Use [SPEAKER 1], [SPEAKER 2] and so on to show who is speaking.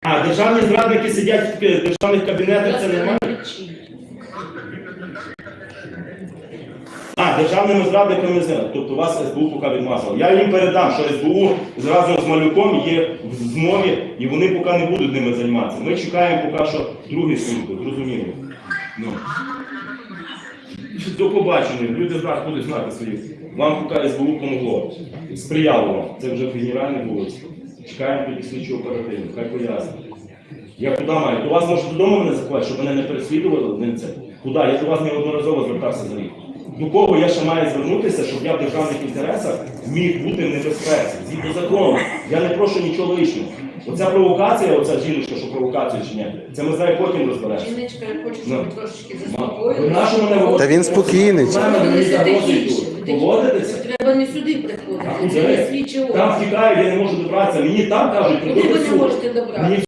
[SPEAKER 1] А, державні зрадники сидять в державних кабінетах, це нормально? А, державними зрадниками не знаю. Тобто вас СБУ поки відмазало. Я їм передам, що СБУ разом з Малюком є в змові, і вони поки не будуть ними займатися. Ми чекаємо поки що другі служби, зрозуміло. Ну. До побачення. Люди зараз будуть знати свої. Вам поки СБУ помогло. Сприяло вам. Це вже генеральне було. Чекаємо тоді слідчу оперативну. Хай пояснить. Я куди маю? До вас може додому мене заховати, щоб мене не переслідували? Куди? Я до вас неодноразово звертався за рік. До кого я ще маю звернутися, щоб я в державних інтересах міг бути в небезпеці? Згідно закону. Я не прошу нічого лишнього. Оця провокація, оця жіночка, що провокація чи ні, це ми з нею потім розберемося.
[SPEAKER 2] Жіночка, я хочу, щоб ви трошечки заспокоїли.
[SPEAKER 3] Та він спокійний.
[SPEAKER 1] Поводитися?
[SPEAKER 2] Треба не сюди приходити, це не слідчі органи.
[SPEAKER 1] Там втікають, я не можу добратися. Мені там кажуть,
[SPEAKER 2] Куди ви не можете добратися?